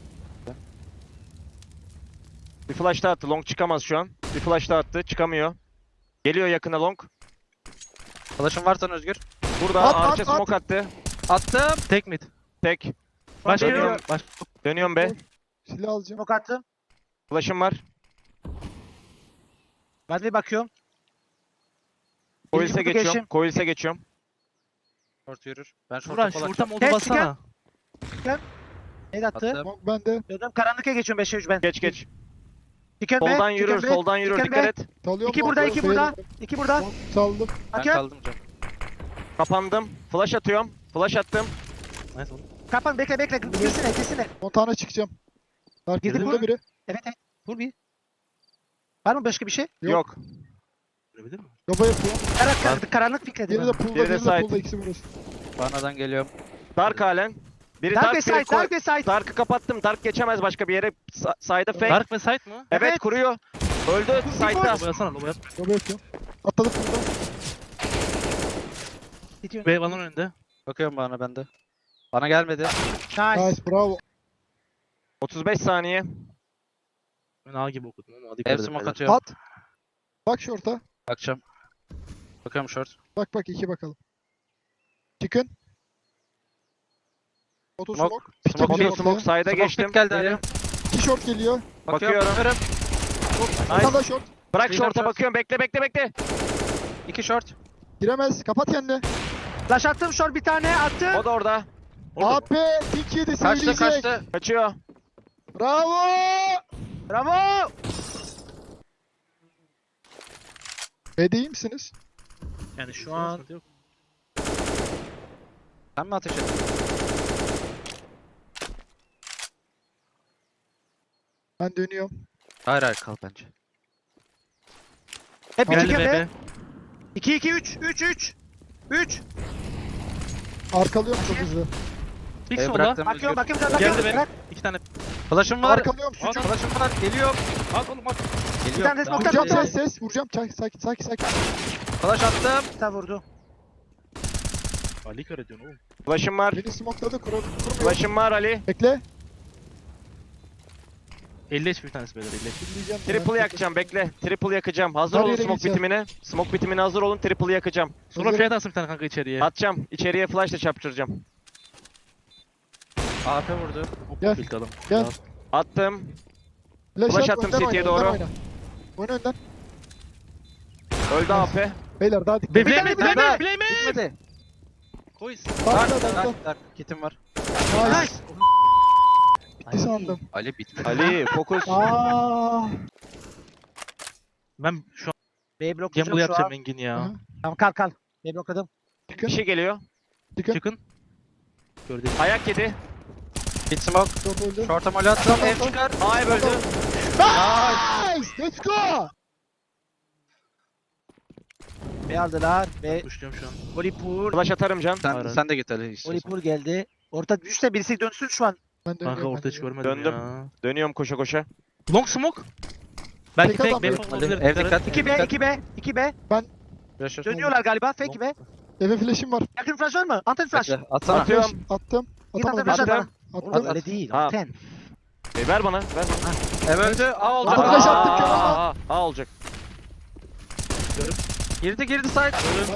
Speaker 2: Bir flash daha attı. Long çıkamaz şu an. Bir flash daha attı. Çıkamıyor. Geliyor yakına long.
Speaker 3: Flash'ın varsa Özgür.
Speaker 2: Burada
Speaker 5: At,
Speaker 2: arka
Speaker 5: at,
Speaker 2: smoke attı.
Speaker 3: Attım.
Speaker 4: Tek mid.
Speaker 2: Tek.
Speaker 4: Başka
Speaker 2: Dönüyorum.
Speaker 4: yok. Baş.
Speaker 2: Dönüyorum be.
Speaker 5: Silah alacağım.
Speaker 1: Smoke attım.
Speaker 2: Flash'ım var.
Speaker 1: Ben bir bakıyorum.
Speaker 2: Coils'e
Speaker 1: kutu
Speaker 2: geçiyorum.
Speaker 1: geçim.
Speaker 2: Coils'e geçiyorum.
Speaker 3: Short yürür. Ben short'a
Speaker 4: Burak
Speaker 3: kolay.
Speaker 4: şurta modu
Speaker 1: Tek
Speaker 4: bassana.
Speaker 1: Ne attı?
Speaker 3: Attım.
Speaker 5: Bak bende.
Speaker 1: Döndüm karanlık'a geçiyorum 5'e 3 ben.
Speaker 2: Geç.
Speaker 1: Chicken back,
Speaker 2: Soldan
Speaker 1: chicken
Speaker 2: yürür.
Speaker 1: back,
Speaker 2: Soldan yürür.
Speaker 1: chicken
Speaker 2: Dikkat
Speaker 1: back.
Speaker 2: et.
Speaker 5: Salıyorum.
Speaker 1: 2 burada 2 burada. 2 burada.
Speaker 5: Saldım.
Speaker 3: Ben
Speaker 1: Hakem.
Speaker 3: kaldım canım.
Speaker 2: Kapandım. Flash atıyorum. Flash attım.
Speaker 4: Nice oğlum.
Speaker 1: Kapan bekle. Kesine.
Speaker 5: Montana çıkacağım. Dark
Speaker 1: Girdi
Speaker 5: burada
Speaker 1: mi?
Speaker 5: biri.
Speaker 1: Evet. Vur bir. Var mı başka bir şey?
Speaker 2: Yok.
Speaker 4: Görebilir mi?
Speaker 5: Yoba yapıyor.
Speaker 1: Karanlık fikredi.
Speaker 5: Biri de pool'da,
Speaker 2: Biri de
Speaker 5: biri de
Speaker 2: side.
Speaker 5: pool'da. İkisi burası.
Speaker 3: Banadan geliyorum.
Speaker 2: Dark halen. Biri
Speaker 1: Dark
Speaker 2: dark,
Speaker 1: ve
Speaker 2: biri
Speaker 1: side, Dark ve side.
Speaker 2: Dark'ı kapattım. Dark geçemez başka bir yere. Side'a fake.
Speaker 4: Dark ve site mı?
Speaker 2: Evet,
Speaker 1: Evet.
Speaker 2: kuruyor. Öldü. Side'da.
Speaker 4: Lobo yapsana lobo yap.
Speaker 5: Lobo yapıyorum. Atladık burada.
Speaker 1: Bitiyor.
Speaker 4: B balon önünde.
Speaker 3: Bakıyorum bana bende. Bana gelmedi.
Speaker 1: Nice.
Speaker 5: Nice bravo.
Speaker 2: 35 saniye.
Speaker 4: Ben A gibi okudum ama hadi
Speaker 3: Ev
Speaker 4: dikkat
Speaker 3: smoke
Speaker 4: edin.
Speaker 3: atıyorum.
Speaker 5: At. Bak short'a.
Speaker 3: Bakacağım. Bakıyorum short.
Speaker 5: Bak iki bakalım. Çıkın. Oto
Speaker 3: Smoke.
Speaker 5: smoke.
Speaker 3: Smoke
Speaker 2: Motor
Speaker 5: Geliyor
Speaker 2: smoke
Speaker 5: ortaya.
Speaker 2: side'a
Speaker 3: Smoke
Speaker 2: geçtim.
Speaker 3: mid geldi Ali.
Speaker 5: İki short geliyor.
Speaker 3: Bakıyorum.
Speaker 2: Bakıyorum.
Speaker 5: Bir tane daha short.
Speaker 2: Bırak
Speaker 3: Freedom
Speaker 2: short'a
Speaker 3: short.
Speaker 2: bakıyorum. Bekle.
Speaker 3: 2 short.
Speaker 5: Giremez. Kapat kendini.
Speaker 1: Flash attım short bir tane attım.
Speaker 2: O da orada.
Speaker 5: AP tik yedi
Speaker 3: Kaçtı
Speaker 5: söyleyecek.
Speaker 3: kaçtı.
Speaker 2: Kaçıyor.
Speaker 5: Bravo.
Speaker 1: Bravo.
Speaker 5: B'de iyi misiniz?
Speaker 4: Yani şu an yok.
Speaker 3: Sen mi ateş ettin?
Speaker 5: Ben dönüyorum.
Speaker 3: Hayır kal bence.
Speaker 1: Hep
Speaker 4: Geldi
Speaker 1: iki
Speaker 4: B.
Speaker 1: kere.
Speaker 4: B.
Speaker 1: 2 2 3. 3.
Speaker 5: Arkalıyorum çok hızlı.
Speaker 4: Bir
Speaker 3: Ev
Speaker 4: sola.
Speaker 3: bıraktım
Speaker 1: Bakıyorum
Speaker 3: Özgür.
Speaker 1: bakıyorum.
Speaker 4: Geldi
Speaker 1: Bakıyorum.
Speaker 4: be.
Speaker 1: Bırak.
Speaker 4: 2 tane.
Speaker 3: Flash'ım var.
Speaker 5: Arkalıyorum sucuk.
Speaker 3: Flash'ım var. Geliyor.
Speaker 4: At oğlum at.
Speaker 1: Bir
Speaker 3: Geliyor.
Speaker 1: tane de smoke
Speaker 5: Vuracağım
Speaker 1: attım.
Speaker 5: ses. Vuracağım. Sakin.
Speaker 3: Flash attım.
Speaker 1: Bir tane vurdu.
Speaker 4: Ali kör ediyorsun oğlum.
Speaker 2: Flash'ım var.
Speaker 5: Beni smokeladı. Kurmuyor.
Speaker 2: Flash'ım var Ali.
Speaker 5: Bekle.
Speaker 4: 50 HP bir tanesi beyler 50 HP.
Speaker 5: Dinleyeceğim.
Speaker 2: Triple yakacağım. Bekle. Triple yakacağım. Hazır
Speaker 5: Her
Speaker 2: olun
Speaker 5: yere
Speaker 2: smoke
Speaker 5: geçeceğim.
Speaker 2: bitimine. Smoke bitimine hazır olun. Triple yakacağım.
Speaker 4: Sonra
Speaker 5: Hazırım.
Speaker 4: fiyat atsın bir tane kanka içeriye.
Speaker 2: Atacağım. İçeriye flash'la çarptıracağım.
Speaker 3: AP vurdu.
Speaker 4: Hop
Speaker 5: Gel.
Speaker 4: ilk adam.
Speaker 5: Gel.
Speaker 2: Attım.
Speaker 5: Flash
Speaker 2: Flash
Speaker 5: at,
Speaker 2: attım
Speaker 5: önden
Speaker 2: City'ye
Speaker 5: oyna, önden
Speaker 2: doğru.
Speaker 5: oyna. Oyna önden.
Speaker 2: Öldü AP.
Speaker 5: Beyler daha dikkat.
Speaker 4: Bileme
Speaker 1: tane,
Speaker 4: bileme bileme.
Speaker 3: Gitmedi.
Speaker 4: Koyuz.
Speaker 5: Dark,
Speaker 3: Dark,
Speaker 5: dark.
Speaker 3: dark, dark. Kitim var.
Speaker 5: Nice. Bitti sandım.
Speaker 3: Ali bitmedi.
Speaker 2: Ali fokus.
Speaker 5: Aaa.
Speaker 4: Ben şu an
Speaker 1: B bloklayacağım
Speaker 4: gamble
Speaker 1: şu
Speaker 4: yapacağım
Speaker 1: an.
Speaker 4: Engin ya.
Speaker 1: Tamam kal. B blokladım.
Speaker 2: Bir
Speaker 5: Çıkın.
Speaker 2: şey geliyor.
Speaker 4: Çıkın. Gördüm.
Speaker 2: Ayak yedi.
Speaker 3: Bit smoke.
Speaker 5: Short öldü.
Speaker 3: Short'a mole attım.
Speaker 5: Tamam,
Speaker 3: Ev
Speaker 5: tamam.
Speaker 3: çıkar.
Speaker 2: A'ya böldü.
Speaker 5: Nice. Let's go.
Speaker 1: B aldılar. B
Speaker 4: Kuşluyorum şu an.
Speaker 1: Volipur.
Speaker 2: Flash atarım can.
Speaker 3: Sen de git Ali istiyorsan.
Speaker 1: Volipur geldi. Orta düşse birisi dönsün şu an.
Speaker 5: Ben
Speaker 4: Kanka
Speaker 5: dönüyorum.
Speaker 4: orta hiç görmedim
Speaker 2: Döndüm.
Speaker 4: ya.
Speaker 2: Dönüyorum koşa.
Speaker 4: Long smoke. Belki
Speaker 5: Tek
Speaker 4: fake
Speaker 5: adam
Speaker 4: B
Speaker 5: yok.
Speaker 4: olabilir.
Speaker 3: Ev dikkat.
Speaker 1: 2B 2B 2B.
Speaker 3: Flash
Speaker 1: Dönüyorlar galiba. Fake B.
Speaker 5: Eve flash'im var.
Speaker 1: Yakın flash var mı? Anten flash.
Speaker 3: Bekle. Atsana.
Speaker 2: Atıyorum.
Speaker 5: Attım.
Speaker 1: Git anten
Speaker 5: Atamadım.
Speaker 1: flash at bana.
Speaker 2: Attım.
Speaker 1: Oğlum
Speaker 5: Attım.
Speaker 1: öyle değil.
Speaker 2: Ha.
Speaker 1: Anten.
Speaker 2: Ver bana. Ver bana.
Speaker 3: Ev öldü. A olacak.
Speaker 5: Attım, flash
Speaker 3: Aa,
Speaker 5: attım, kör olma.
Speaker 2: A olacak.
Speaker 3: Girdi side.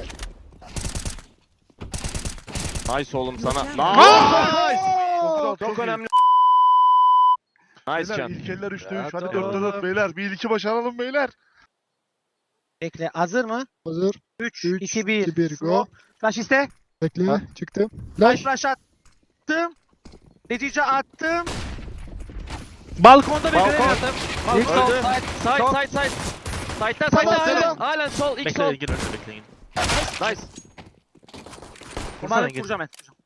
Speaker 2: Nice oğlum sana.
Speaker 5: Nice.
Speaker 2: Çok önemli. Nice
Speaker 6: Beyler
Speaker 2: can.
Speaker 6: ilk eller 3'te 3.
Speaker 3: Ya,
Speaker 6: Hadi
Speaker 3: tamam.
Speaker 6: 4'te 4 beyler. 1-2 başaralım beyler.
Speaker 1: Bekle. Hazır mı?
Speaker 5: Hazır.
Speaker 1: 3
Speaker 5: 3,
Speaker 1: 2 1.
Speaker 5: 2, 1, go.
Speaker 1: Smoke. Flash iste.
Speaker 5: Bekle.
Speaker 3: Ha.
Speaker 5: Çıktım.
Speaker 1: Flash
Speaker 5: Flash.
Speaker 1: flash attım. Netice attım.
Speaker 4: Balkonda bekle.
Speaker 2: Balkon.
Speaker 3: İlk sol
Speaker 2: Öldü.
Speaker 3: side.
Speaker 2: Side. Side'da
Speaker 5: Tamam,
Speaker 2: halen.
Speaker 5: tamam.
Speaker 2: Halen sol. İlk
Speaker 4: Bekle
Speaker 2: sol.
Speaker 4: Engin önce bekle Engin.
Speaker 2: Nice.
Speaker 4: Vursana
Speaker 1: Umarım
Speaker 4: Engin.
Speaker 1: vuracağım ben.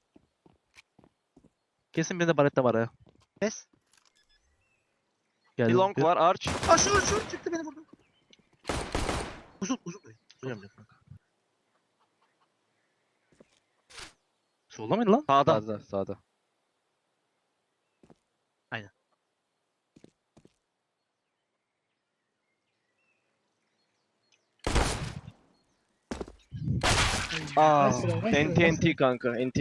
Speaker 4: Kesin bir de barette var ha.
Speaker 1: Kes.
Speaker 2: Bir
Speaker 4: Geldi.
Speaker 2: long var arch.
Speaker 1: Aa şu çıktı beni vurdu. Uzun.
Speaker 4: Duyamıyorum kanka. Solda mıydı lan?
Speaker 2: Sağda.
Speaker 3: Sağda.
Speaker 2: Aa.
Speaker 5: Nice try, nice try, nice try.
Speaker 2: NT kanka. NT.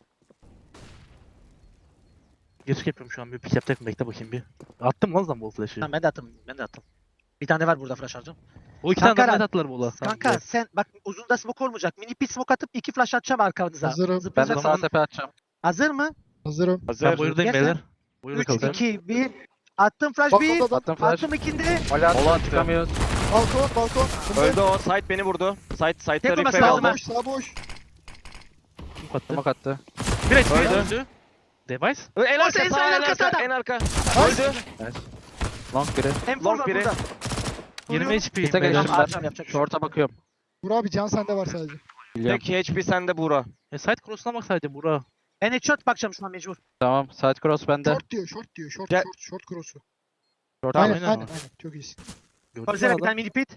Speaker 4: Geçik yapıyorum şu an bir pick yapacak mı? Bekle bakayım bir. Attım lan Zambol flash'ı.
Speaker 1: Tamam ben de attım. Bir tane var burada flash harcam.
Speaker 4: O iki tane
Speaker 1: Kanka,
Speaker 4: daha net attılar bola.
Speaker 1: Kanka sen bak uzunda smoke olmayacak. Mini pit smoke atıp 2 flash atacağım arkanıza.
Speaker 5: Hazırım.
Speaker 3: Ben de
Speaker 1: Zıplayacak.
Speaker 3: sağ tepe atacağım.
Speaker 1: Hazır mı?
Speaker 5: Hazırım.
Speaker 4: Ben
Speaker 2: Hazır.
Speaker 4: buyurdayım
Speaker 1: Gel
Speaker 4: beyler. Buyurda
Speaker 1: 3
Speaker 4: kalacağım.
Speaker 1: 2 1. Attım flash
Speaker 5: Bak
Speaker 1: 1.
Speaker 5: orada da.
Speaker 3: Attım flash.
Speaker 1: Attım ikinde.
Speaker 3: Mole
Speaker 2: Mola
Speaker 3: attım.
Speaker 2: attı.
Speaker 3: Çıkamıyoruz.
Speaker 5: Balkon.
Speaker 2: Öldü o. Side beni vurdu. Side'da
Speaker 1: Tek olması
Speaker 2: refrag
Speaker 1: lazım
Speaker 2: aldım.
Speaker 1: ha.
Speaker 5: boş. Sağ boş.
Speaker 4: Kim attı?
Speaker 3: Smoke attı.
Speaker 4: Bir HP
Speaker 2: Öldü.
Speaker 4: öldü. Device.
Speaker 2: En arka
Speaker 1: en
Speaker 2: sağ en
Speaker 1: arkası
Speaker 2: arka.
Speaker 1: adam.
Speaker 2: En arka.
Speaker 5: Nice.
Speaker 2: Öldü.
Speaker 3: Long biri.
Speaker 1: Hem
Speaker 2: Long
Speaker 1: var
Speaker 2: biri.
Speaker 1: burada.
Speaker 4: 20 HP.
Speaker 3: Bite
Speaker 4: beyler.
Speaker 3: geçtim
Speaker 1: Harcam,
Speaker 3: ben.
Speaker 1: yapacak bir şey yok.
Speaker 3: Short'a bakıyorum.
Speaker 5: Vur abi can sende var sadece.
Speaker 3: Biliyorum.
Speaker 2: Tek HP sende Buğra.
Speaker 4: Side cross'una bak sadece Burak.
Speaker 1: Ben headshot bakacağım şu an mecbur.
Speaker 3: Tamam. Side cross bende.
Speaker 5: Short diyor.
Speaker 2: Gel.
Speaker 5: Short cross'u.
Speaker 3: Short
Speaker 4: Tamam,
Speaker 3: aynen.
Speaker 4: aynen.
Speaker 5: Aynen. Çok iyisin.
Speaker 4: Gördün mü
Speaker 1: Korsene bir
Speaker 4: adam?
Speaker 1: tane mini pit.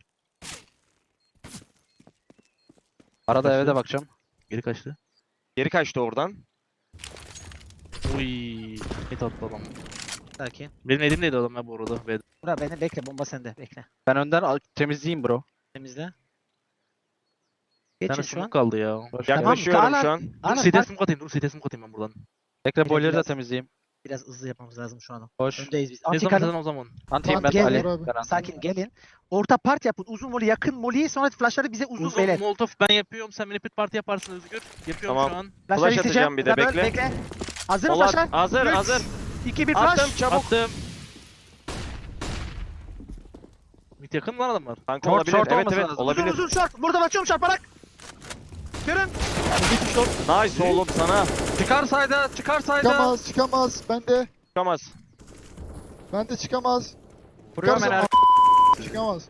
Speaker 3: Arada eve de bakacağım.
Speaker 4: Geri kaçtı.
Speaker 2: Geri kaçtı oradan.
Speaker 4: Uy. Hit attı adam.
Speaker 1: Sakin.
Speaker 4: Benim elimdeydi adam ya bu arada.
Speaker 1: Bura beni bekle, bomba sende. Bekle.
Speaker 3: Ben önden temizleyeyim bro.
Speaker 1: Temizle.
Speaker 4: Bir
Speaker 1: Geçin
Speaker 4: tane
Speaker 1: şu an.
Speaker 4: smoke kaldı ya.
Speaker 3: Boş
Speaker 1: Tamam,
Speaker 3: ver.
Speaker 2: Yaklaşıyorum
Speaker 1: Kaan
Speaker 2: şu an.
Speaker 4: Dur
Speaker 1: Aynen,
Speaker 4: CT
Speaker 1: bak,
Speaker 4: smoke atayım. Dur CT smoke atayım ben buradan.
Speaker 3: Bekle boiler'ı da
Speaker 1: biraz-
Speaker 3: temizleyeyim.
Speaker 1: biraz hızlı yapmamız lazım şu an.
Speaker 3: Boş.
Speaker 1: Öndeyiz biz.
Speaker 4: Ne
Speaker 1: Anti
Speaker 4: zaman
Speaker 1: kalın.
Speaker 4: zaten o zaman.
Speaker 3: Antiyim ben
Speaker 1: Gel,
Speaker 3: Ali.
Speaker 5: gel abi.
Speaker 3: Ben anti.
Speaker 1: Sakin gelin. Orta part yapın. Uzun voli, yakın voli. Sonra flashları bize uzun
Speaker 4: Uzun
Speaker 1: beyler.
Speaker 4: molotof ben yapıyorum. Sen minipit parti yaparsın Özgür. Yapıyorum
Speaker 2: Tamam.
Speaker 4: şu an.
Speaker 1: Flashları
Speaker 2: Flash
Speaker 1: isteyeceğim.
Speaker 2: atacağım bir de,
Speaker 1: Double,
Speaker 2: bekle.
Speaker 1: Hazır mı
Speaker 2: Polat,
Speaker 1: flashlar?
Speaker 2: hazır,
Speaker 1: Üç,
Speaker 2: hazır.
Speaker 1: 2 1
Speaker 2: Attım
Speaker 1: flash.
Speaker 2: çabuk.
Speaker 4: Attım. Mid yakın mı lan adamlar?
Speaker 2: Kanka
Speaker 3: Short,
Speaker 2: olabilir.
Speaker 3: short
Speaker 2: Evet
Speaker 3: olması
Speaker 2: evet
Speaker 3: lazım.
Speaker 2: olabilir.
Speaker 1: Uzun short. Burada bakıyorum çarparak. Görün.
Speaker 2: Nice oğlum sana.
Speaker 3: Çıkar sayda, çıkar sayda.
Speaker 5: Çıkamaz, çıkamaz.
Speaker 2: Çıkamaz.
Speaker 5: Bende çıkamaz.
Speaker 3: Vuruyorum
Speaker 5: Çıkarsa
Speaker 3: enerji.
Speaker 5: çıkamaz.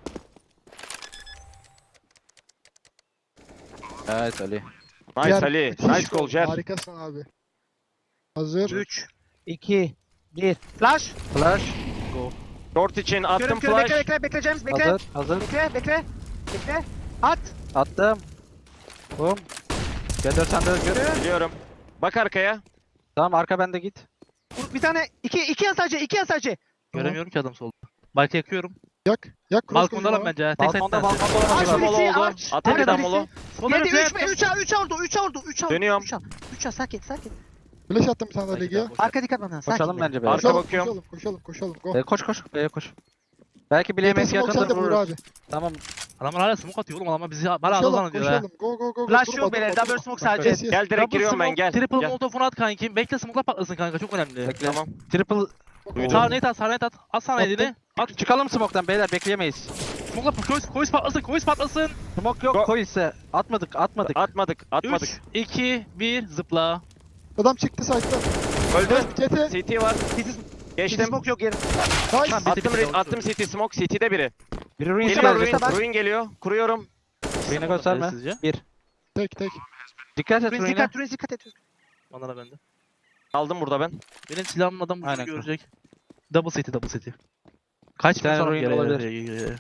Speaker 3: Evet Ali.
Speaker 2: Nice
Speaker 5: Yer,
Speaker 2: Ali.
Speaker 5: müthiş
Speaker 2: Nice
Speaker 5: gol.
Speaker 2: goal Cer.
Speaker 5: Harikasın abi. Hazır.
Speaker 1: 3 2 1 flash.
Speaker 3: Flash.
Speaker 2: Short için attım
Speaker 1: Görün bekle
Speaker 2: flash.
Speaker 1: bekle bekle James bekle.
Speaker 3: Hazır, hazır.
Speaker 1: Bekle bekle. Bekle. At.
Speaker 3: Attım. Bum. G4 sende Özgür.
Speaker 2: Biliyorum. Bak arkaya.
Speaker 3: Tamam arka bende git.
Speaker 1: Vur, bir tane 2 yan sadece 2 yan sadece.
Speaker 4: Göremiyorum ki adam solda. Belki yakıyorum.
Speaker 5: Yak. Yak cross
Speaker 4: Balkonda lan
Speaker 5: koyuyor
Speaker 4: bence. Tek
Speaker 3: Balkonda,
Speaker 4: side
Speaker 3: balkonda olan
Speaker 1: Aç
Speaker 3: var.
Speaker 2: Molo
Speaker 1: birisi
Speaker 2: oldu.
Speaker 1: aç.
Speaker 2: Atın bir
Speaker 1: Arkada
Speaker 2: daha
Speaker 1: birisi.
Speaker 2: molo.
Speaker 4: Solda
Speaker 1: Yedi
Speaker 4: birisi.
Speaker 1: 3 oldu 3 oldu.
Speaker 2: Dönüyorum.
Speaker 1: 3 al sakin sakin.
Speaker 5: Flash attım bir tane daha
Speaker 4: Belki
Speaker 5: Legi'ye.
Speaker 4: daha boş.
Speaker 1: Arka dikkat bana sakin.
Speaker 3: Koşalım bence be.
Speaker 2: Arka
Speaker 5: Koşalım,
Speaker 2: bakıyorum.
Speaker 5: koşalım. Go.
Speaker 3: Koş koş. B'ye koş. Belki
Speaker 5: Bir
Speaker 3: bileğimiz
Speaker 5: smoke sen
Speaker 3: yakındır
Speaker 5: de vur
Speaker 3: vururuz.
Speaker 5: abi.
Speaker 3: Tamam.
Speaker 4: Adamlar hala smoke atıyor oğlum. Adamlar bizi bana
Speaker 5: Koşalım,
Speaker 4: aldan diyor ha.
Speaker 5: koşalım. Go.
Speaker 1: Flash
Speaker 5: Durma,
Speaker 1: yok beyler.
Speaker 5: durma,
Speaker 1: Double
Speaker 5: durma.
Speaker 1: smoke sadece.
Speaker 5: Yes, yes.
Speaker 2: Gel direkt
Speaker 4: Double
Speaker 2: giriyorum ben
Speaker 4: smoke,
Speaker 2: gel.
Speaker 4: Triple
Speaker 2: Gel.
Speaker 4: molotofunu at kanki. Bekle smoke'la patlasın kanka. Çok önemli.
Speaker 3: Bekle.
Speaker 2: Tamam.
Speaker 3: Triple.
Speaker 2: Duydum.
Speaker 4: Sağ net at. Sağ net at. At sana
Speaker 5: Attım.
Speaker 4: elini. At.
Speaker 3: Çıkalım smoke'tan beyler bekleyemeyiz.
Speaker 4: Smoke'la koys patlasın. Koys patlasın.
Speaker 3: Smoke yok
Speaker 2: Go.
Speaker 3: koy ise. Atmadık.
Speaker 2: Atmadık.
Speaker 4: 3, 2, 1 zıpla.
Speaker 5: Adam çıktı site'dan.
Speaker 2: Öldü.
Speaker 5: CT.
Speaker 2: CT var.
Speaker 1: City
Speaker 2: Geçtim.
Speaker 1: smoke yok yeri.
Speaker 5: Nice.
Speaker 2: Attım city smoke. CT'de biri.
Speaker 3: Biri ruin
Speaker 2: Geliyor
Speaker 3: gelecek.
Speaker 2: ruin. Ruin geliyor. Kuruyorum.
Speaker 3: Ruin'e gösterme.
Speaker 4: Sizce?
Speaker 3: Bir.
Speaker 5: Tek.
Speaker 3: Dikkat et
Speaker 1: Turins
Speaker 3: ruin'e.
Speaker 1: dikkat Turins dikkat et.
Speaker 4: Bana da bende.
Speaker 2: Aldım burada ben.
Speaker 4: Benim silahımın adam
Speaker 3: Aynen.
Speaker 4: bunu görecek. Double city. Kaç
Speaker 3: Bir tane
Speaker 4: sonra
Speaker 3: ruin
Speaker 4: geri
Speaker 3: olabilir.
Speaker 4: geri.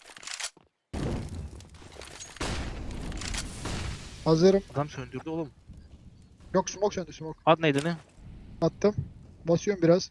Speaker 5: Hazırım.
Speaker 4: Adam söndürdü oğlum.
Speaker 5: Yok smoke söndü smoke.
Speaker 4: At neydi ne?
Speaker 5: Attım. Basıyorum biraz.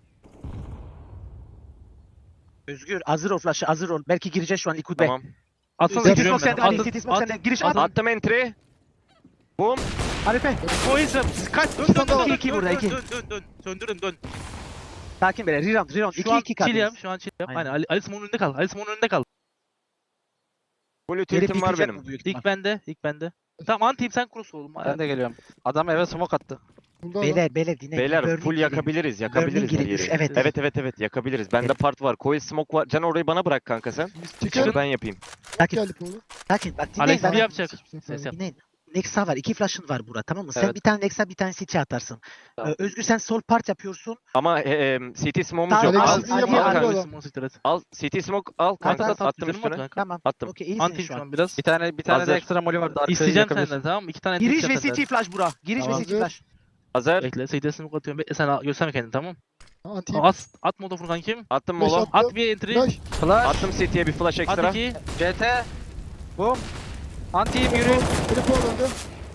Speaker 1: Özgür hazır ol flash'ı hazır ol. Belki gireceğiz şu an Likud Bey.
Speaker 2: Tamam.
Speaker 4: Atsana
Speaker 5: City
Speaker 1: City
Speaker 4: giriyorum
Speaker 1: smoke
Speaker 4: ben.
Speaker 1: sende Ali.
Speaker 4: At,
Speaker 1: City smoke
Speaker 4: at.
Speaker 1: sende. Giriş
Speaker 4: at.
Speaker 1: at.
Speaker 2: Attım entry. Boom.
Speaker 1: Harife.
Speaker 4: Koyuz kaç dön
Speaker 5: İki
Speaker 4: dön
Speaker 5: tane
Speaker 4: dön
Speaker 5: var.
Speaker 1: İki burada, iki.
Speaker 4: dön. Söndürün dön.
Speaker 1: Sakin beyler. Reround.
Speaker 4: Şu an
Speaker 1: 2-2
Speaker 4: chill yap.
Speaker 1: kaldı.
Speaker 4: Şu an chill yap.
Speaker 1: Aynen.
Speaker 4: Aynen. Ali Simon'un önünde kal. Ali Simon'un önünde kal.
Speaker 2: Full
Speaker 1: Gelip
Speaker 2: utility'm var
Speaker 1: bitecek
Speaker 2: benim.
Speaker 1: bu büyük ihtimal.
Speaker 4: İlk bende. Tamam antiyim sen cross oğlum.
Speaker 3: Ben de geliyorum. Adam eve smoke attı.
Speaker 5: Buldu adam.
Speaker 1: Beyler dinleyin.
Speaker 2: Beyler
Speaker 1: Burning
Speaker 2: full
Speaker 1: girin.
Speaker 2: yakabiliriz.
Speaker 1: Burning
Speaker 2: Yakabiliriz her
Speaker 1: girin.
Speaker 2: yeri.
Speaker 1: Evet.
Speaker 2: Yakabiliriz. Bende part var. Coil smoke var. Can orayı bana bırak kanka sen.
Speaker 5: Çıkın.
Speaker 2: Ben yapayım.
Speaker 1: Sakin.
Speaker 5: Geldi Polo.
Speaker 1: Sakin. Bak dinleyin.
Speaker 4: Alex
Speaker 1: bana.
Speaker 4: bir yapacak. Ses yap.
Speaker 1: Dinleyin. Nexa var. 2 flash'ın var burada tamam mı? Sen
Speaker 3: Evet.
Speaker 1: bir tane Nexa bir tane City atarsın.
Speaker 3: Tamam.
Speaker 1: Özgür sen sol part yapıyorsun.
Speaker 2: Ama CT smoke'umuz
Speaker 1: Tamam,
Speaker 2: yok.
Speaker 5: Alex
Speaker 2: Al,
Speaker 5: sizin
Speaker 2: al,
Speaker 5: yapın,
Speaker 2: al
Speaker 5: hadi
Speaker 2: kanka.
Speaker 5: oğlum.
Speaker 4: Simon siktir et.
Speaker 2: Al CT smoke al kanka.
Speaker 4: At,
Speaker 2: Attım
Speaker 4: canım at
Speaker 2: üstüne.
Speaker 4: kanka.
Speaker 1: Tamam.
Speaker 2: Attım.
Speaker 1: Okey iyisin
Speaker 4: Antiyim
Speaker 1: şu
Speaker 4: şu
Speaker 1: an.
Speaker 4: an biraz.
Speaker 3: Bir tane de
Speaker 2: Hazır.
Speaker 3: ekstra molly vardı. Arkaya
Speaker 4: İsteyeceğim
Speaker 3: yakabilir.
Speaker 4: senden tamam mı? 2 tane
Speaker 1: Giriş ve
Speaker 4: tek
Speaker 1: City flash bura. Giriş ve
Speaker 5: Tamam.
Speaker 1: City flash.
Speaker 2: Hazır.
Speaker 4: Bekle. Seyit'e smoke atıyorum. Bekle sen gösterme kendini tamam.
Speaker 5: Anti.
Speaker 4: At molotofunu kankim.
Speaker 2: Attım
Speaker 5: Flash
Speaker 2: molo.
Speaker 5: at.
Speaker 4: At bir entry.
Speaker 5: Flash.
Speaker 3: Flash.
Speaker 2: Attım CT'ye bir flash ekstra.
Speaker 4: At 2.
Speaker 3: CT. Boom. Antiyim yürü.
Speaker 5: Biri Polo döndü.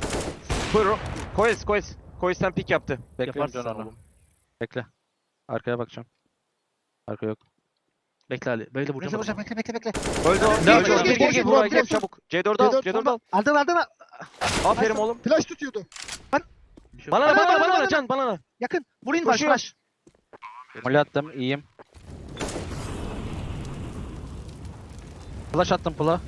Speaker 2: Coil'den pick yaptı.
Speaker 3: Bekliyorum
Speaker 4: Yaparsın
Speaker 3: can
Speaker 4: sen
Speaker 3: onu.
Speaker 4: oğlum.
Speaker 3: Bekle. Arkaya bakacağım. Arka yok.
Speaker 4: Bekle Ali. Bekle
Speaker 1: Bekle
Speaker 4: vuracağım.
Speaker 1: hocam bekle.
Speaker 2: Öldü o.
Speaker 5: Gir,
Speaker 2: Öldü o.
Speaker 5: gir,
Speaker 2: Gir
Speaker 5: gir,
Speaker 2: buraya
Speaker 5: gir,
Speaker 2: gir
Speaker 5: gir.
Speaker 2: çabuk. C4'ü al.
Speaker 5: C4
Speaker 2: C4'ü al.
Speaker 1: Aldın.
Speaker 2: Aferin oğlum.
Speaker 5: Flash tutuyordu.
Speaker 4: Bir şey yok.
Speaker 2: Bana Can bana.
Speaker 1: Yakın. Vurayım flash
Speaker 2: Koşuyor.
Speaker 1: flash.
Speaker 3: Molly attım. İyiyim. Flash attım pula.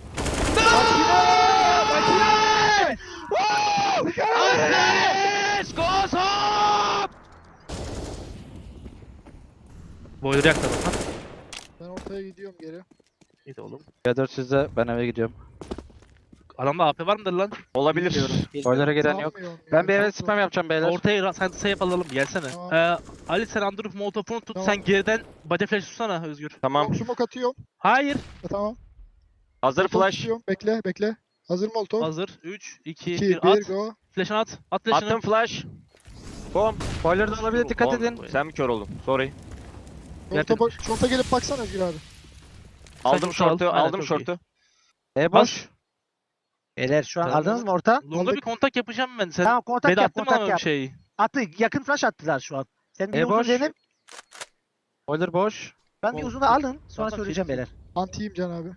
Speaker 4: Boiler yaktı adam.
Speaker 5: Ben ortaya gidiyorum geri.
Speaker 4: İyi de oğlum.
Speaker 3: C4 sizde. Ben eve gidiyorum.
Speaker 4: Adamda AP var mıdır lan?
Speaker 2: Olabilir.
Speaker 3: Boiler'a gelen yok.
Speaker 5: Sanmıyorum ya,
Speaker 3: Ben bir eve
Speaker 5: çok
Speaker 3: spam yapacağım beyler.
Speaker 4: Ortaya sen sayıp alalım gelsene.
Speaker 5: Tamam.
Speaker 4: Ali sen Android molotofunu tut
Speaker 5: Tamam.
Speaker 4: sen geriden body flash tutsana Özgür.
Speaker 2: Tamam.
Speaker 5: zor. Smoke atıyorum.
Speaker 4: Hayır.
Speaker 5: Tamam.
Speaker 2: Hazır
Speaker 5: Molotov
Speaker 2: flash.
Speaker 5: tutuyorum. Bekle. Hazır Molotov.
Speaker 4: Hazır. 3, 2,
Speaker 5: 2,
Speaker 4: 1
Speaker 5: 1,
Speaker 4: at.
Speaker 5: go.
Speaker 4: Flash'ını at. At flash'ını.
Speaker 2: Attım flash. Boom.
Speaker 3: Boiler'da olabilir dikkat
Speaker 2: Oğlum,
Speaker 3: edin.
Speaker 2: Sen mi kör oldun? Sorry.
Speaker 5: Şorta gelip baksana Özgür abi.
Speaker 2: Aldım
Speaker 4: şortu al.
Speaker 2: şortu.
Speaker 4: Aynen,
Speaker 2: Aldım
Speaker 4: çok
Speaker 2: şortu.
Speaker 3: E boş.
Speaker 1: Beyler şu an
Speaker 4: Tamam.
Speaker 1: aldınız mı orta?
Speaker 4: Longa bir kontak yapacağım ben. Sen
Speaker 1: Tamam kontak
Speaker 4: beni
Speaker 1: yap
Speaker 4: attın mı
Speaker 1: kontak
Speaker 4: ama bir
Speaker 1: yap.
Speaker 4: şey?
Speaker 1: Attı yakın flash attılar şu an. Sen bir uzun
Speaker 3: boş.
Speaker 1: denip
Speaker 3: Boiler boş.
Speaker 1: Ben bir
Speaker 4: Ol-
Speaker 1: uzunu alın. Sonra
Speaker 4: Tamam,
Speaker 1: söyleyeceğim
Speaker 4: kesin.
Speaker 1: beyler.
Speaker 5: Antiyim Can abi.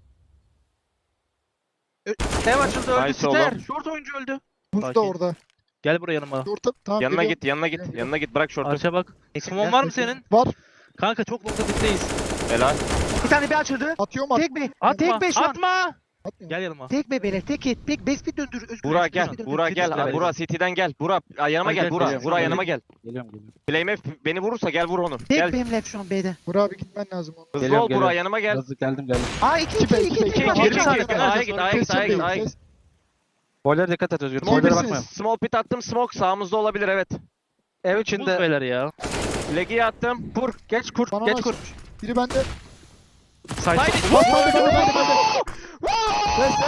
Speaker 3: Ev açıldı öldü.
Speaker 2: Nice
Speaker 3: Ster.
Speaker 2: oğlum.
Speaker 3: Short oyuncu öldü.
Speaker 5: Buz da
Speaker 4: Sakin.
Speaker 5: orada.
Speaker 4: Gel buraya yanıma.
Speaker 5: Orta tamam.
Speaker 2: Yanına
Speaker 5: geliyorum.
Speaker 2: git, yanına git,
Speaker 5: Geliyorum.
Speaker 2: yanına git. Bırak şortu.
Speaker 4: Arşa bak. Smon var mı senin?
Speaker 5: Var.
Speaker 4: Kanka çok longda bitteyiz.
Speaker 2: Helal.
Speaker 1: Bir tane bir açıldı.
Speaker 5: Atıyor mu?
Speaker 1: Tek be.
Speaker 4: Atma.
Speaker 1: Tek be şu an.
Speaker 4: Atma.
Speaker 5: Atmıyor.
Speaker 4: Gel yanıma.
Speaker 1: Tek be beyler. Tek et. Tek bespit döndür. Özgür.
Speaker 2: Burak
Speaker 1: Özgür,
Speaker 2: gel,
Speaker 1: bespit döndür.
Speaker 2: Burak gel.
Speaker 3: Bespit
Speaker 2: Burak City'den gel. Burak yanıma
Speaker 3: Hadi
Speaker 2: gel.
Speaker 3: gel,
Speaker 2: Burak,
Speaker 3: geliyorum.
Speaker 2: Burak yanıma gel.
Speaker 3: Geliyorum geliyorum.
Speaker 2: Flamef beni vurursa gel vur onu.
Speaker 1: Tek
Speaker 2: Gel.
Speaker 1: benim left şu an B'de.
Speaker 5: Burak abi gitmen lazım onu.
Speaker 2: Hızlı
Speaker 3: Geliyorum,
Speaker 2: ol Burak
Speaker 3: geliyorum.
Speaker 2: yanıma gel.
Speaker 3: Hızlı geldim geldim.
Speaker 1: Aa 2 2
Speaker 5: İki be,
Speaker 1: 2
Speaker 5: iki be,
Speaker 1: 2
Speaker 5: iki.
Speaker 1: var.
Speaker 2: Geri
Speaker 1: Bir
Speaker 2: git,
Speaker 1: tane
Speaker 2: geri git.
Speaker 1: var.
Speaker 2: A'ya git, A'ya git, A'ya git, A'ya git.
Speaker 3: Boiler dikkat et Özgür.
Speaker 5: İyi
Speaker 3: Boiler'a
Speaker 5: misiniz?
Speaker 3: bakma.
Speaker 2: Small pit attım, smoke sağımızda olabilir evet.
Speaker 3: Ev
Speaker 4: Buz
Speaker 3: içinde.
Speaker 4: beyler ya.
Speaker 2: Legi'yi attım.
Speaker 3: Kur. Geç kur.
Speaker 5: Bana
Speaker 3: Geç
Speaker 5: bak.
Speaker 3: kur.
Speaker 5: Biri bende.
Speaker 4: Side.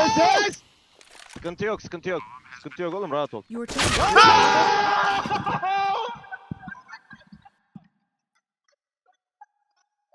Speaker 2: Sıkıntı yok, sıkıntı yok. Sıkıntı yok oğlum rahat ol.
Speaker 7: Your turn.